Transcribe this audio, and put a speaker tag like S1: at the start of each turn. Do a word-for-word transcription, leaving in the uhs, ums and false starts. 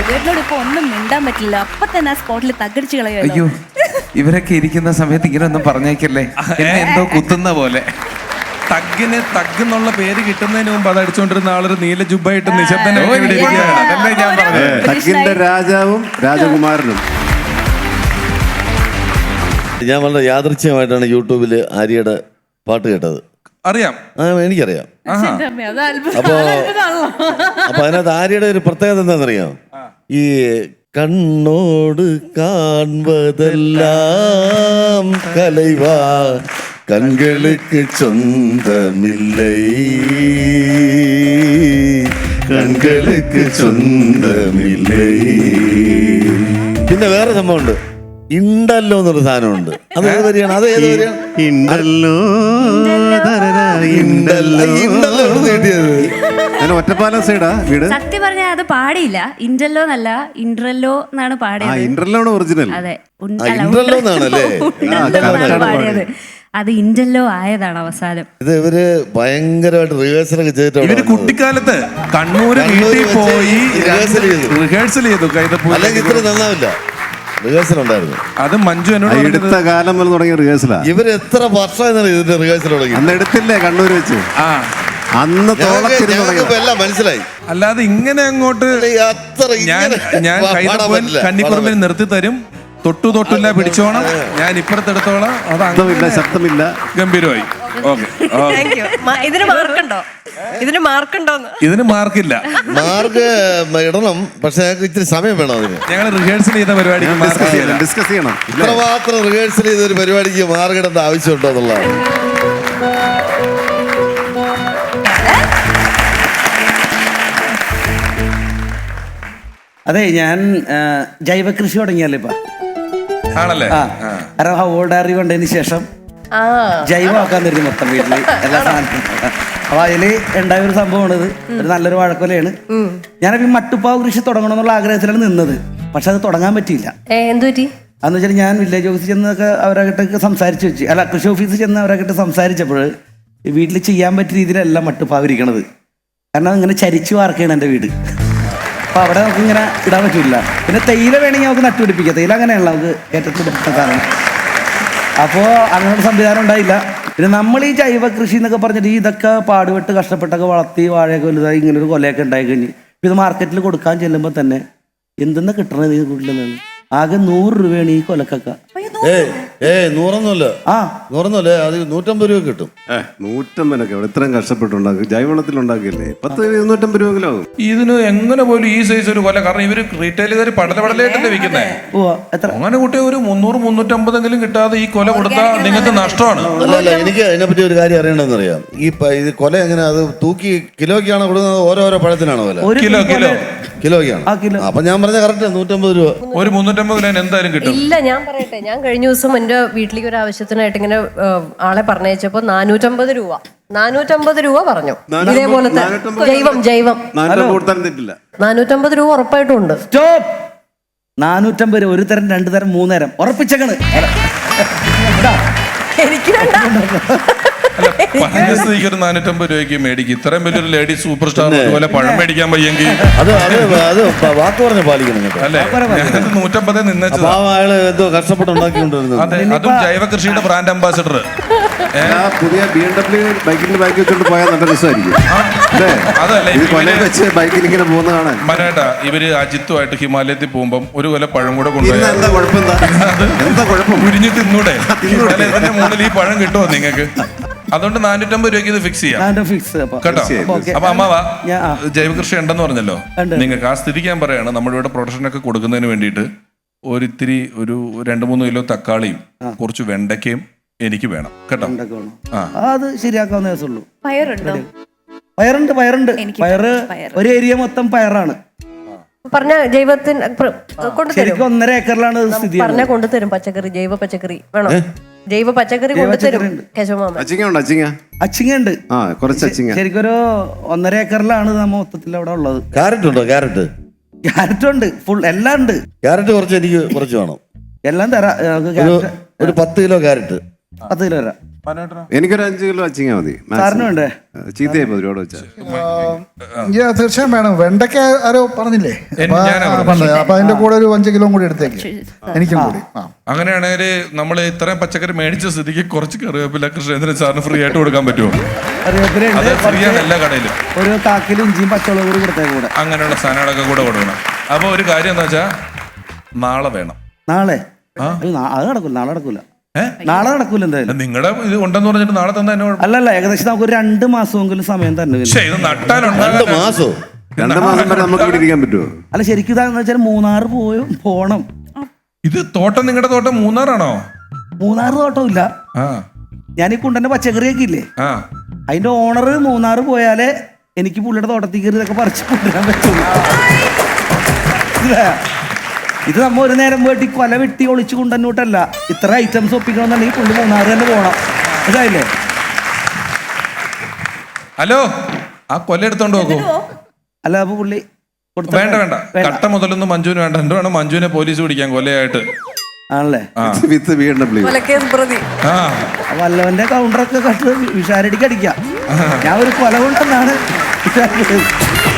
S1: രഘുവേട്ടനോട് ഇപ്പൊ ഒന്നും മിണ്ടാൻ പറ്റില്ല. അപ്പൊ തന്നെ ആ സ്പോട്ടിൽ തകടിച്ചു കളയുമല്ലോ.
S2: അയ്യോ, ഇവരൊക്കെ ഇരിക്കുന്ന സമയത്ത് ഇങ്ങനെ ഒന്നും പറഞ്ഞേക്കല്ലേ, എന്നെ എന്തോ കുത്തുന്ന പോലെ.
S3: തഗ്ഗിന് തഗ് എന്നുള്ള പേര് കിട്ടുന്നതിന് മുമ്പ് അത് അടിച്ചുകൊണ്ടിരുന്ന ആളൊരു നീല ജുബ്ബായിട്ട് നിശബ്ദനായിട്ട് ഇവിടെ ഇരിക്കുകയാണ്.
S2: അതല്ലേ ഞാൻ പറഞ്ഞത്.
S4: തഗ്ഗിന്റെ രാജാവും രാജകുമാരനും.
S5: ഞാൻ വളരെ യാദൃച്ഛികമായിട്ടാണ് യൂട്യൂബിൽ ആര്യയുടെ പാട്ട് കേട്ടത്.
S3: അറിയാം,
S5: ആ എനിക്കറിയാം.
S1: അത്
S5: അപ്പോ അപ്പൊ അതിനകത്ത് ആര്യയുടെ ഒരു പ്രത്യേകത എന്താണെന്നറിയാം? ഈ കണ്ണോട് കാൺവതെല്ലാം കലൈവാ കൺகளுக்கு சொந்தமில்லை കൺகளுக்கு சொந்தமில்லை. പിന്നെ വേറെ സംഭവമുണ്ട്, ഇണ്ടല്ലോ എന്നൊരു സാധനമുണ്ട്. അത് ഏത് വരികയാണ്? അത് ഏത് വരികയാണ്?
S4: ഇണ്ടല്ലോ ഇണ്ടല്ലോ
S5: ഇണ്ടല്ലോ കിട്ടിയത്.
S4: ഞാൻ ഒറ്റപ്പാലം സൈഡാ വീട്.
S6: സത്യം പറഞ്ഞാൽ അത് പാടിയില്ല. ഇൻഡല്ലോ എന്നല്ല, ഇൻട്രല്ലോ എന്നാണ്
S4: ആ
S6: പാടിയത്.
S4: ഇന്റർലോ ആണ് ഒറിജിനൽ.
S6: അതെ,
S5: ഇൻട്രല്ലോ എന്നാണല്ലേ
S6: പാടിയത്. അത് ഇൻഡല്ലോ ആയതാണ് അവസാനം.
S5: ഇത് ഇവര് ഭയങ്കരമായിട്ട് റിഹേഴ്സൽ ഒക്കെ ചെയ്തിട്ടുണ്ട്.
S3: ഇവര് കുട്ടിക്കാലത്ത് കണ്ണൂര് വീട്ടിൽ പോയി
S5: റിഹേഴ്സൽ ചെയ്തു
S3: റിഹേഴ്സൽ ചെയ്തു.
S5: അല്ലെങ്കിൽ ഇത്ര നന്നാവില്ല. റിഹേഴ്സൽ ഉണ്ടായിരുന്നു.
S3: അത് മഞ്ജു എന്നോട്
S4: എടുത്ത കാലം മുതൽ തുടങ്ങിയ റിഹേഴ്സലാ.
S5: ഇവര് എത്ര വർഷമായി ഇതിന്റെ റിഹേഴ്സൽ തുടങ്ങി?
S4: അന്ന് എടുത്തില്ലേ കണ്ണൂര് വെച്ച്?
S3: ആ
S4: അന്ന് തോളത്തിരുന്ന്
S5: ഞങ്ങൾക്ക് എല്ലാം മനസ്സിലായി.
S3: അല്ലാതെ ഇങ്ങനെ അങ്ങോട്ട്
S5: അത്ര
S3: ഞാൻ ഞാൻ കൈതപ്പൻ കന്നിക്കുറുമ്പിന് നിർത്തി തരും, തൊട്ടു തൊട്ടില്ല പിടിച്ചോണം, ഞാൻ ഇപ്പുറത്തെടുത്തോളാം. അത്
S4: ശബ്ദമില്ല ശബ്ദമില്ല
S3: ഗംഭീരമായി. ഓക്കെ,
S7: ഇതിന് മാർക്കുണ്ടോ? ഇതിന് മാർക്കുണ്ടോന്ന്?
S3: ഇതിന് മാർക്കില്ല.
S5: മാർക്ക് ഇടണം, പക്ഷെ ഞങ്ങൾക്ക് ഇത്തിരി സമയം വേണം അതിന്.
S3: ഞങ്ങൾ റിഹേഴ്സൽ ചെയ്ത പരിപാടിക്ക് മാർക്ക് ചെയ്യണം.
S4: ഡിസ്കസ് ചെയ്യണം.
S5: ഇത്രമാത്രം റിഹേഴ്സൽ ചെയ്ത ഒരു പരിപാടിക്ക് മാർക്ക് ഇടേണ്ട ആവശ്യമുണ്ടോ എന്നുള്ളതാണ്.
S8: അതെ, ഞാൻ ജൈവ കൃഷി തുടങ്ങിയല്ലേ ഇപ്പൊ.
S3: ആണല്ലേ?
S8: ആ, കാരണം ഹോൾഡാറി കൊണ്ടതിന് ശേഷം ജൈവമാക്കാൻ തരുന്നു മൊത്തം വീട്ടില് എല്ലാ സാധനവും. അപ്പൊ അതില് ഉണ്ടായ ഒരു സംഭവമാണിത്. ഒരു നല്ലൊരു വാഴക്കൊലയാണ്. ഞാനപ്പോ ഈ മട്ടുപ്പാവ് കൃഷി തുടങ്ങണം എന്നുള്ള ആഗ്രഹത്തിലാണ് നിന്നത്. പക്ഷെ അത് തുടങ്ങാൻ പറ്റിയില്ല.
S7: എന്ത് പറ്റി?
S8: അതെന്ന് വെച്ചാൽ ഞാൻ വില്ലേജ് ഓഫീസിൽ ചെന്നൊക്കെ അവരായിട്ടൊക്കെ സംസാരിച്ച് വെച്ച്, അല്ല കൃഷി ഓഫീസിൽ ചെന്ന് അവരായിട്ട് സംസാരിച്ചപ്പോൾ വീട്ടിൽ ചെയ്യാൻ പറ്റിയ രീതിയിലല്ല മട്ടുപ്പാവ് ഇരിക്കണത്. കാരണം ഇങ്ങനെ ചരിച്ചു വാർക്കുകയാണ് എൻ്റെ വീട്. അപ്പോൾ അവിടെ നമുക്ക് ഇങ്ങനെ ഇടാൻ പറ്റില്ല. പിന്നെ തേയില വേണമെങ്കിൽ നമുക്ക് നട്ടുപിടിപ്പിക്കാം. തേയില അങ്ങനെയല്ല, നമുക്ക് ഏറ്റവും പിടിപ്പിക്കുന്ന സാധനം. അപ്പോൾ അങ്ങനെ സംവിധാനം ഉണ്ടായില്ല. പിന്നെ നമ്മൾ ഈ ജൈവ കൃഷി എന്നൊക്കെ പറഞ്ഞിട്ട് ഇതൊക്കെ പാടുപെട്ട് കഷ്ടപ്പെട്ടൊക്കെ വളർത്തി വാഴയൊക്കെ വലുതായി ഇങ്ങനെ ഒരു കൊലയൊക്കെ ഉണ്ടായി കഴിഞ്ഞ് ഇത് മാർക്കറ്റിൽ കൊടുക്കാൻ ചെല്ലുമ്പോൾ തന്നെ എന്തെന്നാ കിട്ടണത് ഈ വീട്ടിലെന്നാണ്? ആകെ നൂറ് രൂപയാണ് ഈ കൊലക്കൊക്കെ.
S5: ഏയ് ഏയ് നൂറൊന്നുമല്ല.
S8: ആ
S5: നൂറൊന്നുമല്ലേ, അത് നൂറ്റമ്പത് രൂപ കിട്ടും.
S4: ഏഹ് നൂറ്റമ്പതിനൊക്കെ ഇവിടെ ഇത്രയും കഷ്ടപ്പെട്ടുണ്ടാക്കും. ജൈവവളത്തിൽ ഉണ്ടാക്കിയല്ലേ പത്ത് ഇരുന്നൂറ്റമ്പത് രൂപയെങ്കിലും ആകും.
S3: ഇതിന് എങ്ങനെ പോലും ഈ സൈസ് ഒരു കൊല, കാരണം ഇവര് റീറ്റെയിലുകാർ പടലപടലായിട്ടല്ലേ വിൽക്കുന്നേ.
S8: ഓ എത്ര
S3: അങ്ങനെ കുട്ടിയെ ഒരു മുന്നൂറ് മുന്നൂറ്റമ്പതെങ്കിലും കിട്ടാതെ ഈ കൊല കൊടുത്താൽ നിങ്ങൾക്ക് നഷ്ടമാണ്.
S5: അല്ല അല്ല എനിക്ക് അതിനെപ്പറ്റി ഒരു കാര്യം അറിയണമെന്ന് അറിയാം. ഈ പ- ഇത് കൊല എങ്ങനെ അത് തൂക്കി കിലോയ്ക്കാണോ കൊടുക്കുന്നത്, ഓരോരോ പഴത്തിനാണോ വില?
S8: ഒരു
S3: കിലോ കിലോ
S5: കിലോയ്ക്കാണ്.
S8: ആ കിലോ.
S5: അപ്പൊ ഞാൻ പറഞ്ഞ കറക്റ്റ് നൂറ്റമ്പത് രൂപ.
S3: ഒരു മുന്നൂറ്റമ്പത് കിലോ എന്തായാലും കിട്ടും.
S7: ഇല്ല, ഞാൻ പറയട്ടെ, ഞാൻ കഴിഞ്ഞ ദിവസം എൻ്റെ വീട്ടിലേക്ക് ഒരു ആവശ്യത്തിനായിട്ട് ഇങ്ങനെ ആളെ പറഞ്ഞയച്ചപ്പോ നാനൂറ്റമ്പത് രൂപ നാനൂറ്റമ്പത് രൂപ പറഞ്ഞു. ഇതേപോലത്തെ ജൈവം ജൈവം
S4: തെറ്റില്ല.
S7: നാനൂറ്റമ്പത് രൂപ ഉറപ്പായിട്ടും ഉണ്ട്.
S8: സ്റ്റോപ്പ്. നാനൂറ്റമ്പത് രൂപ ഒരു തരം, രണ്ടു തരം, മൂന്ന് തരം ഉറപ്പിച്ചേക്കണ്.
S7: എനിക്ക് വേണ്ട.
S3: അല്ല, പറഞ്ഞ സ്ഥിതിക്ക് ഒരു നാനൂറ്റമ്പത് രൂപയ്ക്ക് മേടിക്കും. ഇത്രയും വലിയൊരു ലേഡി സൂപ്പർ സ്റ്റാർ അതുപോലെ പഴം മേടിക്കാൻ വയ്യെങ്കിൽ
S5: അത് അത് അത് വാക്ക് പറഞ്ഞ പാലിക്കണം കേട്ടോ.
S3: അല്ലേ? ഞാനത് നൂറ്റമ്പതേ നിന്നേച്ചത്.
S5: അപ്പൊ ആ അയാള് എന്തോ കഷ്ടപ്പെട്ട് ഉണ്ടാക്കിക്കൊണ്ടിരുന്നത്.
S3: അതെ, അതും ജൈവ കൃഷിയുടെ ബ്രാൻഡ് അംബാസിഡർ.
S4: പുതിയ ബി എം ഡബ്ല്യു ബൈക്കിന്റെ ബാക്കി വെച്ചോണ്ട് പോയാൽ നല്ല രസമായിരിക്കും.
S3: അതല്ല,
S4: ഇത് കൊല വെച്ച് ബൈക്കിൽ ഇങ്ങനെ പോകുന്ന കാണാൻ.
S3: മനേട്ടാ, ഇവര് അജിത്തുമായിട്ട് ഹിമാലയത്തിൽ പോകുമ്പം ഒരു കൊല പഴം കൂടെ കൊണ്ടുപോയി
S4: എന്താ കുഴപ്പം? എന്താ കുഴപ്പം?
S3: ഉരിഞ്ഞ് തിന്നൂടെ? അല്ലെ, ഇതിന്റെ മുകളിൽ ഈ പഴം കിട്ടുമോ നിങ്ങൾക്ക്? അതുകൊണ്ട് നാനൂറ്റമ്പത് രൂപയ്ക്ക് ഇത് ഫിക്സ് ചെയ്യാം
S8: ഫിക്സ്
S3: കേട്ടോ. അപ്പൊ അമ്മാവാ,
S8: ഞാൻ- ആ.
S3: ജൈവ കൃഷി ഉണ്ടെന്ന് പറഞ്ഞല്ലോ
S8: ഉണ്ട്.
S3: നിങ്ങൾക്ക്. ആ സ്ഥിതിക്ക് ഞാൻ പറയാണ്, നമ്മുടെ ഇവിടെ പ്രൊഡക്ഷൻ ഒക്കെ കൊടുക്കുന്നതിന് വേണ്ടിയിട്ട് ഒരിത്തിരി ഒരു രണ്ട് മൂന്ന് കിലോ തക്കാളിയും കുറച്ച് വെണ്ടയ്ക്കയും എനിക്ക് വേണം കേട്ടോ. ആ,
S8: അത് ശരിയാക്കാവുന്ന ദിവസമുള്ളൂ.
S1: പയറുണ്ടോ?
S8: പയറുണ്ട്, പയറുണ്ട്.
S1: എനിക്ക്
S8: പയറ്
S1: പയറ്.
S8: ഒരു ഏരിയ മൊത്തം പയറാണ്.
S7: പറഞ്ഞ ജൈവത്തിന് കൊണ്ടുതരും.
S8: ശരിക്കും ഒന്നര ഏക്കറിലാണ് ഇത് സ്ഥിതി.
S7: പറഞ്ഞ കൊണ്ടുതരും പച്ചക്കറി, ജൈവ പച്ചക്കറി വേണോ? ജൈവ പച്ചക്കറി കൊണ്ടുതരും കേശവമാമൻ.
S4: അച്ചിങ്ങ ഉണ്ട്. അച്ചിങ്ങ
S8: അച്ചിങ്ങ ഉണ്ട്.
S4: ആ കുറച്ച് അച്ചിങ്ങ.
S8: ശരിക്കും ഒരു ഒന്നര ഏക്കറിലാണ് നമ്മ മൊത്തത്തിൽ അവിടെ ഉള്ളത്.
S5: ക്യാരറ്റ് ഉണ്ടോ? ക്യാരറ്റ്
S8: ക്യാരറ്റ് ഉണ്ട്, ഫുൾ എല്ലാം ഉണ്ട്.
S5: ക്യാരറ്റ് കുറച്ച് എനിക്ക് കുറച്ച് വേണം.
S8: എല്ലാം തരാം.
S5: ഒരു ഒരു പത്ത് കിലോ ക്യാരറ്റ്.
S8: പത്ത് കിലോ തരാം.
S4: എനിക്കൊരു അഞ്ച് കിലോ അച്ചിങ്ങ മതി
S8: സാറിന് വേണ്ടേ?
S4: ചീത്തയായി പോയി ഒരുപാട് വെച്ചാൽ
S9: തീർച്ചയായും വേണം. വെണ്ടയ്ക്ക ആരോ പറഞ്ഞില്ലേ?
S3: എൻ- ഞാനാ പറഞ്ഞത്.
S9: പറഞ്ഞത് അപ്പൊ അതിന്റെ കൂടെ ഒരു അഞ്ച് കിലോ കൂടി എടുത്തേക്ക്, എനിക്കും കൂടി. ആ
S3: അങ്ങനെയാണെങ്കിൽ നമ്മൾ ഇത്രയും പച്ചക്കറി മേടിച്ച സ്ഥിതിക്ക് കുറച്ച് കറിവേപ്പില കൃഷ്ണേന്ദ്രൻ സാറിന് ഫ്രീ ആയിട്ട് കൊടുക്കാൻ പറ്റുമോ?
S8: കറിവേപ്പിലുണ്ട്,
S3: അത് ഫ്രീ ആണ് എല്ലാ കടയിലും.
S8: ഒരു കാക്കിൽ ഇഞ്ചിയും പച്ചമുളകും കൂടി കൊടുത്തേ കൂടെ.
S3: അങ്ങനെയുള്ള സാധനങ്ങളൊക്കെ കൂടെ കൊടുക്കണം. അപ്പൊ ഒരു കാര്യം എന്താ വെച്ചാ നാളെ വേണം.
S8: നാളെ
S3: ആ?
S8: അയ്യോ, നാ- അത് നടക്കൂല, നാളെ നടക്കൂല,
S3: ഏ?
S8: നാളെ നടക്കൂല എന്തായാലും.
S3: നിങ്ങളുടെ ഇത് ഉണ്ടെന്ന് പറഞ്ഞിട്ട് നാളെ തന്നെ എന്നെ കുഴപ്പം.
S8: അല്ലല്ല, ഏകദേശം നമുക്ക് ഒരു രണ്ട് മാസമെങ്കിലും സമയം തന്നെ വരും.
S3: പക്ഷേ ഇത് നട്ടാലുണ്ട്
S5: രണ്ട് മാസോ
S4: രണ്ട് മാസം വരെ നമുക്ക് ഇവിടെ ഇരിക്കാൻ പറ്റുമോ?
S8: അല്ല, ശരിക്കും ഇതാന്ന് വെച്ചാൽ മൂന്നാറ് പോയി പോണം.
S3: ഇത് തോട്ടം നിങ്ങളുടെ തോട്ടം മൂന്നാറാണോ?
S8: മൂന്നാറ് തോട്ടമില്ല,
S3: ആ
S8: ഞാൻ ഈ കുണ്ടന്റെ പച്ചക്കറിയൊക്കെ ഇല്ലേ,
S3: ആ
S8: അതിന്റെ ഓണർ മൂന്നാറ് പോയാലേ എനിക്ക് പുള്ളിയുടെ തോട്ടത്തിൽ കയറി ഇതൊക്കെ പറിച്ച് കൊണ്ടുവരാൻ പറ്റുള്ളൂ. ഇല്ല, ഇത് നമ്മ ഒരു നേരം പോയിട്ട് ഈ കൊല വെട്ടി ഒളിച്ചു കൊണ്ടുവന്നിട്ടല്ല, ഇത്ര ഐറ്റംസ് ഒപ്പിക്കണമെന്നുണ്ടെങ്കിൽ പുള്ളി മൂന്നാറ് തന്നെ പോകണം. ഇതായില്ലേ?
S3: ഹലോ, ആ കൊല എടുത്തോണ്ട് നോക്കൂ.
S8: അല്ല, അപ്പൊ പുള്ളി കൊടുത്ത-
S3: വേണ്ട വേണ്ട, കട്ട മുതലൊന്നും മഞ്ജുവിന് വേണ്ട. എന്ത് വേണം മഞ്ജുവിനെ പോലീസ് പിടിക്കാൻ കൊലയായിട്ട്.
S8: ആണല്ലേ?
S3: ആ
S4: വിത്ത് ബി എം ഡബ്ല്യു
S7: കൊലക്കേസ് പ്രതി.
S3: ആ
S8: വല്ലവന്റെ കൗണ്ടറൊക്കെ കട്ട് വിഷാരടിക്ക് അടിക്കാം. ഞാൻ ഒരു കൊല കൊണ്ടെന്നാണ് വിചാരിച്ചത്.